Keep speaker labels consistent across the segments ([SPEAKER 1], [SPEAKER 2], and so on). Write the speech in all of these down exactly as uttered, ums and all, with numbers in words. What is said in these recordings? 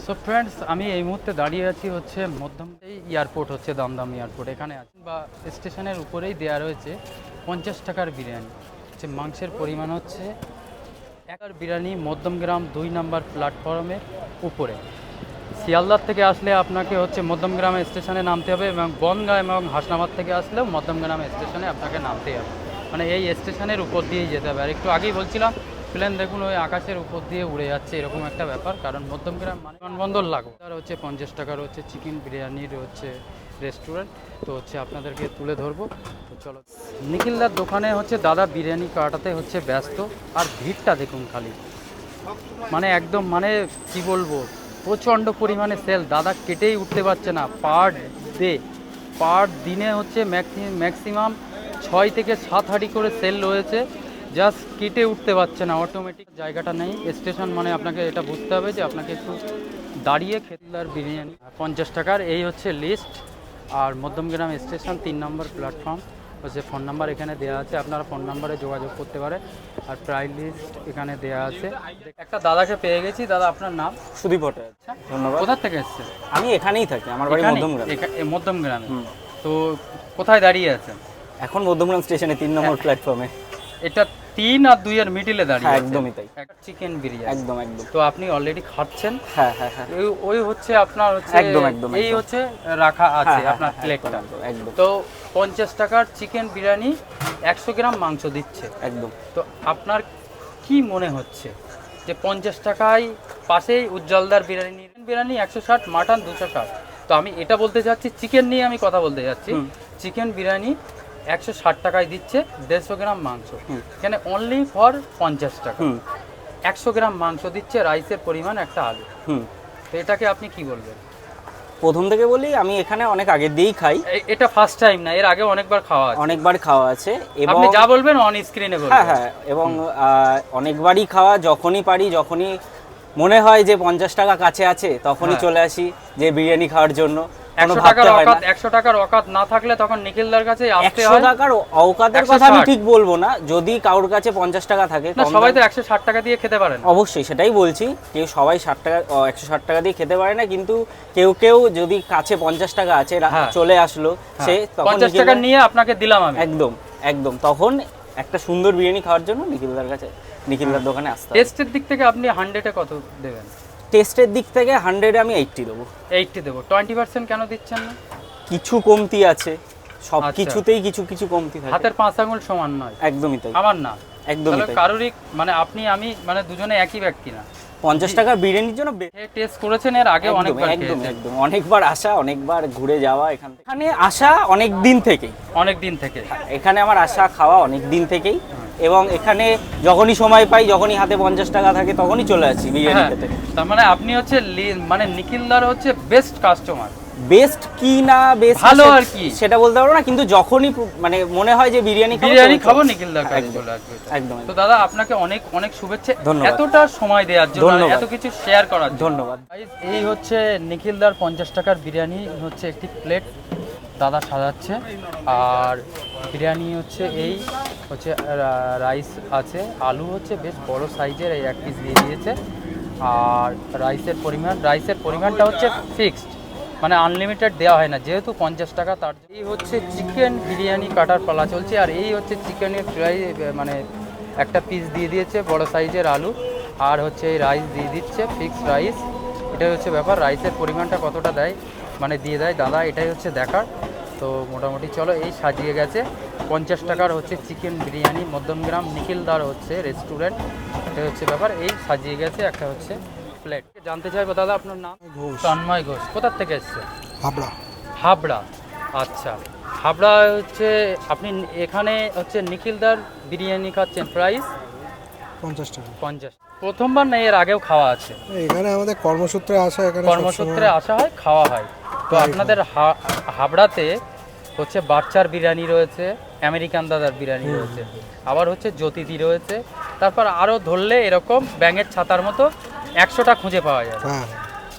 [SPEAKER 1] So friends, আমি এই মুহূর্তে দাঁড়িয়ে আছি হচ্ছে মধ্যম এই এয়ারপোর্ট হচ্ছে দমদম এয়ারপোর্ট। এখানে আছি বা স্টেশনের উপরেই দেওয়া রয়েছে পঞ্চাশ টাকার বিরিয়ানি। হচ্ছে মাংসের পরিমাণ হচ্ছে একার বিরিয়ানি মধ্যমগ্রাম দুই নাম্বার প্ল্যাটফর্মের উপরে। শিয়ালদার থেকে আসলে আপনাকে হচ্ছে মধ্যমগ্রাম স্টেশনে নামতে হবে এবং বনগাঁ এবং হাসনাবাদ থেকে আসলেও মধ্যমগ্রাম স্টেশনে আপনাকে নামতে হবে। মানে এই স্টেশনের উপর দিয়েই যেতে হবে। আর একটু আগেই বলছিলাম প্লেন দেখুন ওই আকাশের উপর দিয়ে উড়ে যাচ্ছে, এরকম একটা ব্যাপার। কারণ মধ্যমগ্রাম মানে বিমানবন্দর লাগবে। আর হচ্ছে পঞ্চাশ টাকার হচ্ছে চিকেন বিরিয়ানির হচ্ছে রেস্টুরেন্ট। তো হচ্ছে আপনাদেরকে তুলে ধরবো। তো চলো, নিখিলদার দোকানে হচ্ছে দাদা বিরিয়ানি কাটাতে হচ্ছে ব্যস্ত। আর ভিড়টা দেখুন খালি, মানে একদম মানে কি বলবো, প্রচণ্ড পরিমাণে সেল। দাদা কেটেই উঠতে পারছে না। পার ডে পার দিনে হচ্ছে ম্যাক্সিমাম ছয় থেকে সাত হাঁড়ি করে সেল রয়েছে। জাস্ট কেটে উঠতে পারছে না, অটোমেটিক জায়গাটা নেই। স্টেশন মানে আপনাকে এটা বুঝতে হবে যে আপনাকে একটু দাঁড়িয়ে খেতলার বিরিয়ানি পঞ্চাশ টাকার, এই হচ্ছে লিস্ট। আর মধ্যমগ্রাম স্টেশন তিন নম্বর প্ল্যাটফর্ম হচ্ছে। ফোন নাম্বার এখানে দেওয়া আছে, আপনারা ফোন নাম্বারে যোগাযোগ করতে পারেন। আর প্রাইস লিস্ট এখানে দেওয়া আছে। একটা দাদাকে পেয়ে গেছি। দাদা আপনার নাম?
[SPEAKER 2] সুদীপ ভট্টাচার্য। ধন্যবাদ।
[SPEAKER 1] কোথা থেকে এসছেন?
[SPEAKER 2] আমি এখানেই থাকি, আমার বাড়ি মধ্যমগ্রাম।
[SPEAKER 1] মধ্যমগ্রামে। তো কোথায় দাঁড়িয়ে আছেন
[SPEAKER 2] এখন? মধ্যমগ্রাম স্টেশনে তিন নম্বর প্ল্যাটফর্মে।
[SPEAKER 1] এটা তিন আর দুই এর মিডিলে দাঁড়িয়ে
[SPEAKER 2] হ্যাঁ,
[SPEAKER 1] আছে।
[SPEAKER 2] একদমই তাই।
[SPEAKER 1] একটা চিকেন বিরিয়ানি।
[SPEAKER 2] একদম একদম।
[SPEAKER 1] তো আপনি অলরেডি খাচ্ছেন?
[SPEAKER 2] হ্যাঁ হ্যাঁ হ্যাঁ।
[SPEAKER 1] ওই ওই হচ্ছে আপনার হচ্ছে
[SPEAKER 2] একদম একদম
[SPEAKER 1] এই হচ্ছে রাখা আছে
[SPEAKER 2] হ্যাঁ,
[SPEAKER 1] আপনার
[SPEAKER 2] হ্যাঁ,
[SPEAKER 1] প্লেটটা।
[SPEAKER 2] একদম, একদম।
[SPEAKER 1] তো পঞ্চাশ টাকার চিকেন বিরিয়ানি একশো গ্রাম মাংস দিচ্ছে
[SPEAKER 2] একদম।
[SPEAKER 1] তো আপনার কি মনে হচ্ছে যে পঞ্চাশ টাকায় পাশেই উজ্জ্বলদার বিরিয়ানি বিরিয়ানি একশো ষাট, মাটন দুশো ষাট। তো আমি এটা বলতে চাচ্ছি, চিকেন নিয়ে আমি কথা বলতে যাচ্ছি। চিকেন বিরিয়ানি একশো ষাট টাকায় দিচ্ছে দেড়শো গ্রাম মাংস, এখানে অনলি ফর পঞ্চাশ টাকা। একশো গ্রাম মাংস দিচ্ছে, রাইসের পরিমাণ একটা আলু।
[SPEAKER 2] হুম,
[SPEAKER 1] তো এটাকে আপনি কি বলবেন?
[SPEAKER 2] প্রথম থেকে বলি, আমি এখানে অনেক আগে দিয়েই খাই।
[SPEAKER 1] এ- এটা ফার্স্ট টাইম না, এর আগে অনেকবার খাওয়া আছে।
[SPEAKER 2] অনেকবার খাওয়া আছে এবং
[SPEAKER 1] আপনি যা বলবেন অন স্ক্রিনে বলবেন।
[SPEAKER 2] হ্যাঁ হ্যাঁ, এবং আহ, অনেকবারই খাওয়া। যখনই পারি, যখনই মনে হয় যে পঞ্চাশ টাকা কাছে আছে, তখনই
[SPEAKER 1] হ্যাঁ।
[SPEAKER 2] চলে আসি যে বিরিয়ানি খাওয়ার জন্য। কোনো
[SPEAKER 1] একশো
[SPEAKER 2] ভাবতে
[SPEAKER 1] টাকার
[SPEAKER 2] হয় না।
[SPEAKER 1] অকাত একশো টাকার অকাত না থাকলে তখন নিখিলদার কাছে আসতে
[SPEAKER 2] একশো
[SPEAKER 1] হয়।
[SPEAKER 2] টাকার অওকাতের
[SPEAKER 1] একশো
[SPEAKER 2] কথা আমি
[SPEAKER 1] ষাট।
[SPEAKER 2] ঠিক বলবো না। যদি কারোর কাছে পঞ্চাশ টাকা থাকে,
[SPEAKER 1] না,
[SPEAKER 2] কম
[SPEAKER 1] সবাই তো
[SPEAKER 2] দাম-
[SPEAKER 1] একশো ষাট টাকা দিয়ে খেতে পারেন।
[SPEAKER 2] অবশ্যই সেটাই বলছি, কেউ সবাই ষাট টাকা একশো ষাট টাকা দিয়ে খেতে পারে না। কিন্তু কেউ কেউ যদি কাছে পঞ্চাশ টাকা আছে, রা-
[SPEAKER 1] হ্যাঁ।
[SPEAKER 2] চলে আসলো, সে তখন
[SPEAKER 1] পঞ্চাশ টাকা
[SPEAKER 2] নিখিলদার-
[SPEAKER 1] নিয়ে আপনাকে দিলাম আমি।
[SPEAKER 2] একদম একদম, তখন একটা সুন্দর বিরিয়ানি খাওয়ার জন্য নিখিলদার কাছে, নিখিলদার দোকানে আসতে হবে।
[SPEAKER 1] টেস্টের দিক থেকে আপনি হান্ড্রেডে কত দেবেন?
[SPEAKER 2] টেস্টের দিক থেকে হান্ড্রেডে আমি এইটটি দেবো।
[SPEAKER 1] এইটটি দেবো। টোয়েন্টি পার্সেন্ট কেন দিচ্ছেন না?
[SPEAKER 2] কিছু কমতি আছে, সব
[SPEAKER 1] আচ্ছা।
[SPEAKER 2] কিছুতেই কিছু কিছু কমতি থাকে।
[SPEAKER 1] হাতের পাঁচ আঙুল সমান নয়।
[SPEAKER 2] একদমই তাই,
[SPEAKER 1] আমার না,
[SPEAKER 2] একদমই
[SPEAKER 1] তাহলে
[SPEAKER 2] তাই।
[SPEAKER 1] কারোরই মানে আপনি আমি মানে দুজনে একই ব্যক্তি না।
[SPEAKER 2] পঞ্চাশ টাকার বিরিয়ানির জন্য বে-
[SPEAKER 1] টেস্ট করেছেন এর আগে
[SPEAKER 2] একদম
[SPEAKER 1] অনেকবার
[SPEAKER 2] একদম
[SPEAKER 1] খেয়েছেন।
[SPEAKER 2] একদম, অনেকবার আসা, অনেকবার ঘুরে যাওয়া। এখান থেকে এখানে আসা অনেক দিন থেকেই,
[SPEAKER 1] অনেক দিন থেকে।
[SPEAKER 2] এখানে আমার আসা খাওয়া অনেক দিন থেকেই। এবং এখানে যখনই সময় পাই, যখনই হাতে পঞ্চাশ টাকা থাকে, তখনই চলে আসি বিরিয়ানি
[SPEAKER 1] হ্যাঁ,
[SPEAKER 2] খেতে।
[SPEAKER 1] তার মানে আপনি হচ্ছে লি- মানে নিখিলদার হচ্ছে বেস্ট কাস্টমার।
[SPEAKER 2] বেস্ট কি না বেস্ট
[SPEAKER 1] ভালো আর কি
[SPEAKER 2] সেটা বলতে পারবো না, কিন্তু যখনই পু- মানে মনে হয় যে বিরিয়ানি খাবো,
[SPEAKER 1] বিরিয়ানি
[SPEAKER 2] তো-
[SPEAKER 1] খাবো, নিখিলদার কাছে
[SPEAKER 2] একদম,
[SPEAKER 1] চলে আসবে।
[SPEAKER 2] একদম
[SPEAKER 1] তো দাদা আপনাকে অনেক অনেক শুভেচ্ছা
[SPEAKER 2] ধন্যবাদ।
[SPEAKER 1] এতটা সময় দেওয়ার জন্য, আর
[SPEAKER 2] ধন্যবাদ।
[SPEAKER 1] এত কিছু শেয়ার করার জন্য।
[SPEAKER 2] ধন্যবাদ।
[SPEAKER 1] Guys, এই হচ্ছে নিখিলদার পঞ্চাশ টাকার বিরিয়ানি হচ্ছে একটি প্লেট দাদা সাজাচ্ছে। আর বিরিয়ানি হচ্ছে এই হচ্ছে রা- রাইস আছে, আলু হচ্ছে বেশ বড় সাইজের, এই এক পিস দিয়ে দিয়েছে। আর রাইসের পরিমাণ রাইসের পরিমাণটা হচ্ছে ফিক্সড, মানে আনলিমিটেড দেওয়া হয় না, যেহেতু পঞ্চাশ টাকা। তার এই হচ্ছে চিকেন বিরিয়ানি কাটার পালা চলছে। আর এই হচ্ছে চিকেনের ফ্রাই, মানে একটা পিস দিয়ে দিয়েছে বড় সাইজের আলু। আর হচ্ছে এই রাইস দিয়ে দিচ্ছে, ফিক্সড রাইস। এটাই হচ্ছে ব্যাপার। রাইসের পরিমাণটা কতটা দেয় মানে দিয়ে দেয় দাদা, এটাই হচ্ছে দেখার। তো মোটামুটি চলো, এই সাজিয়ে গেছে পঞ্চাশ টাকার হচ্ছে চিকেন বিরিয়ানি মধ্যমগ্রাম নিখিলদার হচ্ছে রেস্টুরেন্ট। এটাই হচ্ছে ব্যাপার। এই সাজিয়ে গেছে একটা হচ্ছে প্লেট। জানতে চাইবো দাদা আপনার নাম?
[SPEAKER 3] ঘোষ।
[SPEAKER 1] তন্ময় ঘোষ। কোথার থেকে এসছে?
[SPEAKER 3] হাবড়া।
[SPEAKER 1] হাবড়া। আচ্ছা, হাবড়া হচ্ছে আপনি এখানে হচ্ছে নিখিলদার বিরিয়ানি খাচ্ছেন, প্রাইস
[SPEAKER 3] পঞ্চাশ টাকা।
[SPEAKER 1] পঞ্চাশ। প্রথমবার না, এর আগেও খাওয়া আছে?
[SPEAKER 3] এখানে আমাদের কর্মসূত্রে আসা, এখানে
[SPEAKER 1] কর্মসূত্রে আসা হয়, খাওয়া হয়। তো আপনাদের হা- হাবড়াতে হচ্ছে বাচ্চার বিরিয়ানি রয়েছে, আমেরিকান দাদার বিরিয়ানি রয়েছে, আবার হচ্ছে জ্যোতিদি রয়েছে, তারপর আরও ধরলে এরকম ব্যাঙের ছাতার মতো একশোটা খুঁজে পাওয়া যাবে।
[SPEAKER 3] হ্যাঁ,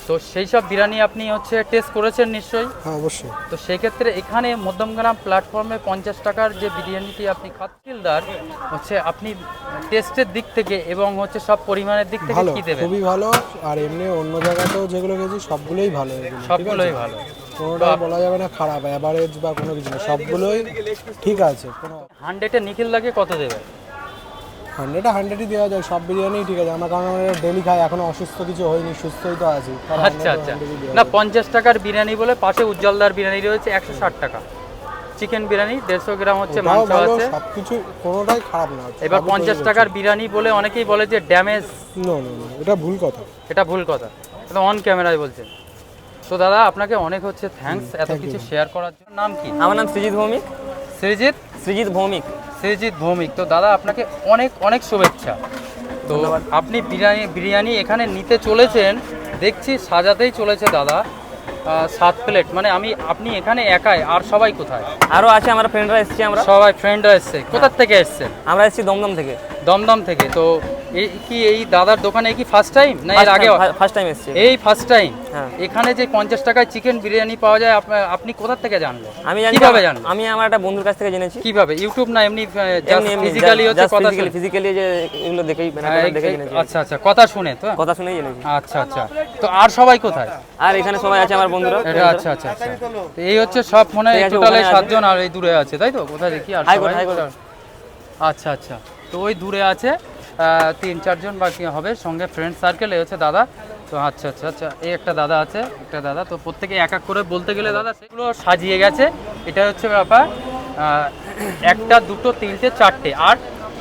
[SPEAKER 1] তো সেই সব বিরিয়ানি আপনি হচ্ছে টেস্ট করেছেন নিশ্চয়ই।
[SPEAKER 3] হ্যাঁ অবশ্যই।
[SPEAKER 1] তো সেক্ষেত্রে এখানে মধ্যমগ্রাম প্ল্যাটফর্মে পঞ্চাশ টাকার যে বিরিয়ানিটি আপনি খাচ্ছিলদার হচ্ছে আপনি টেস্টের দিক থেকে এবং হচ্ছে সব পরিমাণের দিক থেকে
[SPEAKER 3] ভালো,
[SPEAKER 1] কি দেবেন?
[SPEAKER 3] খুবই ভালো। আর এমনি অন্য জায়গাতেও যেগুলো গেছি সবগুলোই ভালো, এগুলো ঠিক
[SPEAKER 1] সবগুলোই
[SPEAKER 3] আছে?
[SPEAKER 1] ভালো।
[SPEAKER 3] কোনোটাই বলা যাবে না খারাপ, অ্যাভারেজ বা কোনো কিছু না, সবগুলোই ঠিক আছে। কোনো
[SPEAKER 1] হান্ড্রেডে নিখিলদাকে কত দেবে?
[SPEAKER 3] হান্ড্রেডে হান্ড্রেডই দেওয়া যায়, সব বিরিয়ানি ঠিক আছে। আমার কারণ আমরা ডেলি খাই, এখনো অসুস্থ কিছু হয়নি, সুস্থই তো আছি। তাহলে
[SPEAKER 1] আচ্ছা
[SPEAKER 3] hundred এ
[SPEAKER 1] আচ্ছা,
[SPEAKER 3] hundred ই দেওয়া
[SPEAKER 1] না
[SPEAKER 3] যায়।
[SPEAKER 1] পঞ্চাশ টাকার বিরিয়ানি বলে পাশে উজ্জ্বলদার বিরিয়ানি রয়েছে একশো ষাট টাকা, চিকেন বিরিয়ানি দেড়শো গ্রাম হচ্ছে
[SPEAKER 3] ওটাও
[SPEAKER 1] মাংস
[SPEAKER 3] ভালো,
[SPEAKER 1] আছে।
[SPEAKER 3] সবকিছু কোনোটাই খারাপ না।
[SPEAKER 1] এবার
[SPEAKER 3] সবই
[SPEAKER 1] পঞ্চাশ
[SPEAKER 3] তৈরি
[SPEAKER 1] টাকার
[SPEAKER 3] করছে।
[SPEAKER 1] বিরিয়ানি বলে অনেকেই বলে যে ড্যামেজ,
[SPEAKER 3] নো নো নো, এটা ভুল কথা।
[SPEAKER 1] এটা ভুল কথা, এটা অন ক্যামেরায় বলছেন। তো দাদা আপনাকে অনেক হচ্ছে থ্যাঙ্কস এত
[SPEAKER 3] thank
[SPEAKER 1] কিছু
[SPEAKER 3] you.
[SPEAKER 1] শেয়ার করার জন্য। নাম কি?
[SPEAKER 2] আমার নাম সৃজিত ভৌমিক।
[SPEAKER 1] সৃজিত
[SPEAKER 2] সৃজিত ভৌমিক।
[SPEAKER 1] সৃজিত ভৌমিক। তো দাদা আপনাকে অনেক অনেক শুভেচ্ছা। তো আপনি বিরিয়ানি বিরিয়ানি এখানে নিতে চলেছেন, দেখছি সাজাতেই চলেছে দাদা। আহ, সাত প্লেট মানে আমি আপনি এখানে একাই, আর সবাই কোথায়?
[SPEAKER 2] আরও আছে, আমরা ফ্রেন্ডরা এসেছি। আমরা
[SPEAKER 1] সবাই ফ্রেন্ডরা এসছে। কোথা থেকে এসছেন?
[SPEAKER 2] আমরা এসেছি দমদম থেকে।
[SPEAKER 1] দমদম থেকে। তো এই কি এই দাদার দোকানে কি ফার্স্ট টাইম না এর আগে?
[SPEAKER 2] ফার্স্ট টাইম এসেছি।
[SPEAKER 1] এই ফার্স্ট টাইম।
[SPEAKER 2] হ্যাঁ।
[SPEAKER 1] এখানে যে পঞ্চাশ টাকায় চিকেন বিরিয়ানি পাওয়া যায় আপ- আপনি কোথা থেকে জানলেন?
[SPEAKER 2] আমি জানি,
[SPEAKER 1] কিভাবে জানলেন?
[SPEAKER 2] আমি আমার একটা বন্ধুর কাছ থেকে জেনেছি।
[SPEAKER 1] কিভাবে? ইউটিউব না এমনি
[SPEAKER 2] এমনি এমনি
[SPEAKER 1] ফিজিক্যালি হচ্ছে কথা শুনে?
[SPEAKER 2] ফিজিক্যালি যে এগুলো দেখেই
[SPEAKER 1] হ্যাঁ,
[SPEAKER 2] ব্যানার
[SPEAKER 1] এই-
[SPEAKER 2] দেখে
[SPEAKER 1] এই-
[SPEAKER 2] জেনেছি।
[SPEAKER 1] আচ্ছা আচ্ছা, কথা শুনে তো?
[SPEAKER 2] কথা শুনেই জেনেছি।
[SPEAKER 1] আচ্ছা আচ্ছা। তো আর সবাই কোথায়?
[SPEAKER 2] আর এখানে সবাই আছে আমার বন্ধুরা।
[SPEAKER 1] এটা আচ্ছা আচ্ছা আচ্ছা। তো এই হচ্ছে সব মনে হয়
[SPEAKER 2] ঠিক আছে,
[SPEAKER 1] টোটালে
[SPEAKER 2] ওখানে আছে।
[SPEAKER 1] সাতজন, আর এই দূরে আছে তাই তো? কোথায় দেখি আর
[SPEAKER 2] হাই কোর্ট,
[SPEAKER 1] সবাই?
[SPEAKER 2] High court.
[SPEAKER 1] আচ্ছা আচ্ছা। তো ওই দূরে আছে আহ, তিন চারজন বাকি হবে, সঙ্গে ফ্রেন্ড সার্কেল। এই হচ্ছে দাদা। তো আচ্ছা আচ্ছা আচ্ছা, এই একটা দাদা আছে, একটা দাদা। তো প্রত্যেকে এক এক করে বলতে গেলে দাদা সেগুলো সাজিয়ে গেছে। এটা হচ্ছে ব্যাপার। আহ, একটা দুটো তিনটে চারটে, আর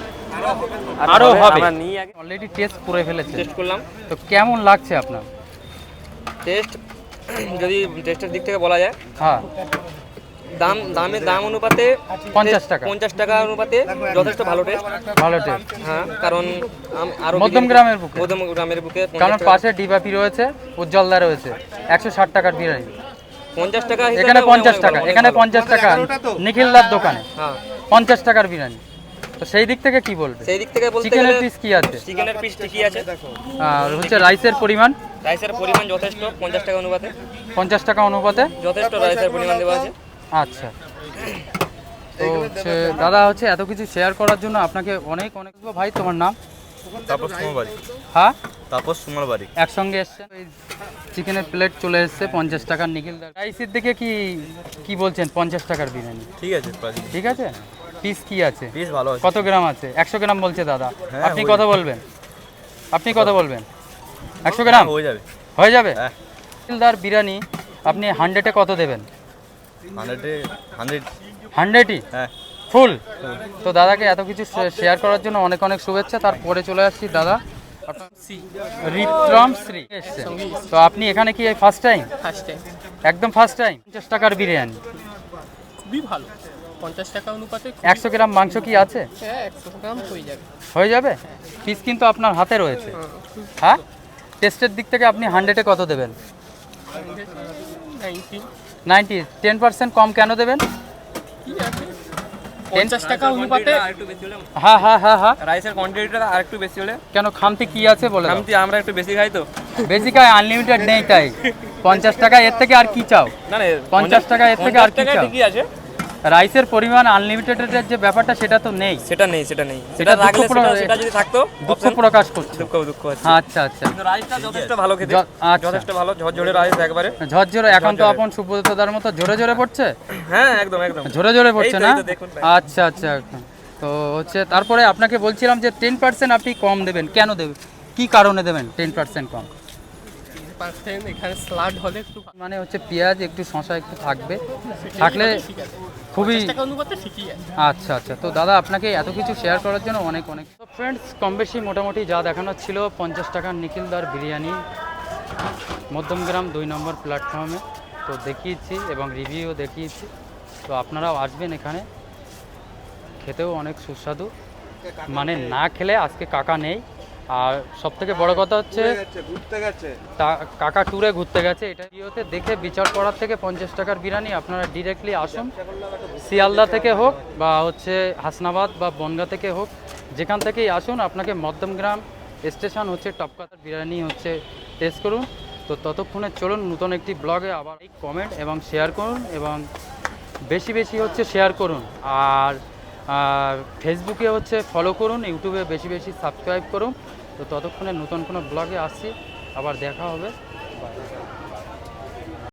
[SPEAKER 1] আরো হবে।
[SPEAKER 2] আমরা নিয়ে আগে
[SPEAKER 1] অলরেডি টেস্ট করে ফেলেছে।
[SPEAKER 2] টেস্ট করলাম।
[SPEAKER 1] তো কেমন লাগছে আপনার?
[SPEAKER 2] টেস্ট যদি টেস্টের দিক থেকে বলা যায়,
[SPEAKER 1] হ্যাঁ,
[SPEAKER 2] দাম দামের দাম অনুপাতে
[SPEAKER 1] পঞ্চাশ টাকা।
[SPEAKER 2] পঞ্চাশ টাকা অনুপাতে যথেষ্ট ভালো টেস্ট।
[SPEAKER 1] ভালো টেস্ট।
[SPEAKER 2] হ্যাঁ, কারণ আম- আরো
[SPEAKER 1] মধ্যম গ্রামের বুকে।
[SPEAKER 2] মধ্যম গ্রামের বুকে পঞ্চাশ
[SPEAKER 1] কারণ
[SPEAKER 2] টাকা-
[SPEAKER 1] পাশে ডিবাপি রয়েছে, উজ্জ্বলদা রয়েছে, একশো ষাট টাকার বিরিয়ানি।
[SPEAKER 2] পঞ্চাশ টাকা হিসেবে
[SPEAKER 1] এখানে
[SPEAKER 2] অনেক
[SPEAKER 1] পঞ্চাশ
[SPEAKER 2] ভালো,
[SPEAKER 1] টাকা,
[SPEAKER 2] অনেক
[SPEAKER 1] এখানে
[SPEAKER 2] ভালো।
[SPEAKER 1] পঞ্চাশ টাকা নিখিলদার দোকানে
[SPEAKER 2] হ্যাঁ,
[SPEAKER 1] পঞ্চাশ টাকার বিরিয়ানি। তো সেই দিক থেকে কি বলবে?
[SPEAKER 2] সেই দিক থেকে বলতে
[SPEAKER 1] চিকেনের
[SPEAKER 2] গেলে
[SPEAKER 1] পিস কি আছে?
[SPEAKER 2] চিকেনের পিস ঠিকই আছে।
[SPEAKER 1] আর হচ্ছে রাইসের পরিমাণ
[SPEAKER 2] রাইসের পরিমাণ যথেষ্ট, পঞ্চাশ টাকা অনুপাতে
[SPEAKER 1] পঞ্চাশ টাকা অনুপাতে
[SPEAKER 2] যথেষ্ট রাইসের পরিমাণ দেওয়া আছে।
[SPEAKER 1] আচ্ছা। তো হচ্ছে দাদা হচ্ছে এত কিছু শেয়ার করার জন্য আপনাকে অনেক অনেক। ভাই তোমার নাম?
[SPEAKER 4] তাপস কুমার বাড়ি।
[SPEAKER 1] হ্যাঁ,
[SPEAKER 4] তাপস কুমার বাড়ি।
[SPEAKER 1] একসঙ্গে এসছেন। ওই চিকেনের প্লেট চলে এসছে পঞ্চাশ টাকার নিখিলদার। রাইসের দিকে কি কি বলছেন? পঞ্চাশ টাকার বিরিয়ানি
[SPEAKER 4] ঠিক আছে,
[SPEAKER 1] ঠিক আছে। পিস কি আছে?
[SPEAKER 4] বেশ ভালো আছে।
[SPEAKER 1] কত গ্রাম আছে? একশো গ্রাম বলছে দাদা।
[SPEAKER 4] হ্যাঁ,
[SPEAKER 1] আপনি
[SPEAKER 4] হয়ে
[SPEAKER 1] কত বলবেন? আপনি কত বলবেন? একশো গ্রাম
[SPEAKER 4] হয়ে যাবে।
[SPEAKER 1] হয়ে যাবে?
[SPEAKER 4] হ্যাঁ।
[SPEAKER 1] নিখিলদার বিরিয়ানি আপনি হান্ড্রেডে কত দেবেন?
[SPEAKER 4] হান্ড্রেডে হান্ড্রেড।
[SPEAKER 1] হান্ড্রেডই
[SPEAKER 4] হ্যাঁ।
[SPEAKER 1] ফুল। তো দাদাকে এত কিছু শেয়ার করার জন্য অনেক অনেক শুভেচ্ছা। তারপরে চলে আসছি দাদা রিত্রম শ্রী এসছেন। তো আপনি এখানে কি ফার্স্ট টাইম?
[SPEAKER 5] First time.
[SPEAKER 1] একদম ফার্স্ট টাইম। পঞ্চাশ টাকার বিরিয়ানি
[SPEAKER 5] খুবই ভালো, পঞ্চাশ টাকা অনুপাতে খুব-
[SPEAKER 1] একশো গ্রাম মাংস কি আছে?
[SPEAKER 5] হ্যাঁ, একশো গ্রাম হয়ে যাবে।
[SPEAKER 1] হয়ে যাবে? পিস কিন্তু আপনার হাতে রয়েছে। হ্যাঁ, টেস্টের দিক থেকে আপনি হান্ড্রেডে কত দেবেন?
[SPEAKER 5] Ninety
[SPEAKER 1] ninety. টেন পার্সেন্ট কম কেন দেবেন?
[SPEAKER 5] কি আছে, পঞ্চাশ টাকা অনুপাতে
[SPEAKER 2] একটু বেশি হলে,
[SPEAKER 1] হ্যাঁ হ্যাঁ হ্যাঁ হ্যাঁ।
[SPEAKER 2] রাইসের কোয়ান্টিটিটা আর একটু বেশি হলে।
[SPEAKER 1] কেন খামতি কি আছে বলে দাও।
[SPEAKER 2] আমি আমরা একটু বেশি খাই তো।
[SPEAKER 1] বেসিকায় আনলিমিটেড নেই তাই পঞ্চাশ টাকা, এর থেকে আর কি চাও?
[SPEAKER 2] না না,
[SPEAKER 1] পঞ্চাশ টাকা এর থেকে আর কি চাও?
[SPEAKER 2] ঠিকই আছে।
[SPEAKER 1] রাইসের পরিমাণ আনলিমিটেডের যে ব্যাপারটা সেটা তো নেই।
[SPEAKER 2] সেটা নেই, সেটা নেই।
[SPEAKER 1] সেটা
[SPEAKER 2] সেটা রাখলে
[SPEAKER 1] দুঃখ প্রকাশ-
[SPEAKER 2] সেটা- সেটা যদি থাকতো
[SPEAKER 1] দুঃখ
[SPEAKER 2] option,
[SPEAKER 1] প্রকাশ করছে।
[SPEAKER 2] দুঃখ দুঃখ আছে।
[SPEAKER 1] আচ্ছা আচ্ছা।
[SPEAKER 2] কিন্তু রাইসটা যথেষ্ট ভালো খেতে,
[SPEAKER 1] য- আচ্ছা।
[SPEAKER 2] যথেষ্ট ভালো ঝরঝরে রাইস একবারে।
[SPEAKER 1] ঝরঝরে এখন তো
[SPEAKER 2] ঝরঝরে।
[SPEAKER 1] আপন সুব্রতদার মতো জোরে জোরে পড়ছে।
[SPEAKER 2] হ্যাঁ, একদম একদম।
[SPEAKER 1] জোরে জোরে পড়ছে
[SPEAKER 2] এই তো,
[SPEAKER 1] না?
[SPEAKER 2] এই তো দেখুন ভাই।
[SPEAKER 1] আচ্ছা আচ্ছা। তো হচ্ছে তারপরে আপনাকে বলছিলাম যে টেন পার্সেন্ট আপনি কম দেবেন, কেন দেবেন? কি কারণে দেবেন টেন পার্সেন্ট কম?
[SPEAKER 5] পার্সেন্ট এখানে স্লাড হলে একটু ভালো।
[SPEAKER 1] মানে হচ্ছে পেঁয়াজ একটু শশা একটু থাকবে, থাকলে
[SPEAKER 5] ঠিক আছে,
[SPEAKER 1] খুবই।
[SPEAKER 5] পঞ্চাশ টাকা অনুপাতে ঠিকই আছে।
[SPEAKER 1] আচ্ছা আচ্ছা। তো দাদা আপনাকে এত কিছু শেয়ার করার জন্য অনেক অনেক। তো ফ্রেন্ডস, কম বেশি মোটামুটি যা দেখানো ছিল পঞ্চাশ টাকার নিখিলদার বিরিয়ানি মধ্যমগ্রাম দুই নম্বর প্ল্যাটফর্মে তো দেখিয়েছি এবং রিভিউ দেখিয়েছি। তো আপনারাও আসবেন এখানে, খেতেও অনেক সুস্বাদু। মানে না খেলে আজকে কাকা নেই। আর সব থেকে বড় কথা হচ্ছে তা- কাকা ট্যুরে ঘুরতে গেছে। এটা ভিডিওতে দেখে বিচার করার থেকে পঞ্চাশ টাকার বিরিয়ানি আপনারা ডিরেক্টলি আসুন, শিয়ালদা থেকে হোক বা হচ্ছে হাসনাবাদ বা বনগা থেকে হোক, যেখান থেকেই আসুন আপনাকে মধ্যমগ্রাম স্টেশন হচ্ছে টপকাতার বিরিয়ানি হচ্ছে টেস্ট করুন। তো ততক্ষণে চলুন নতুন একটি ব্লগে আবার কমেন্ট এবং শেয়ার করুন এবং বেশি বেশি হচ্ছে শেয়ার করুন। আর আর ফেসবুকে হচ্ছে ফলো করুন, ইউটিউবে বেশি বেশি সাবস্ক্রাইব করুন। তো ততক্ষণে নতুন কোনো ব্লগে আসছি, আবার দেখা হবে। বাই।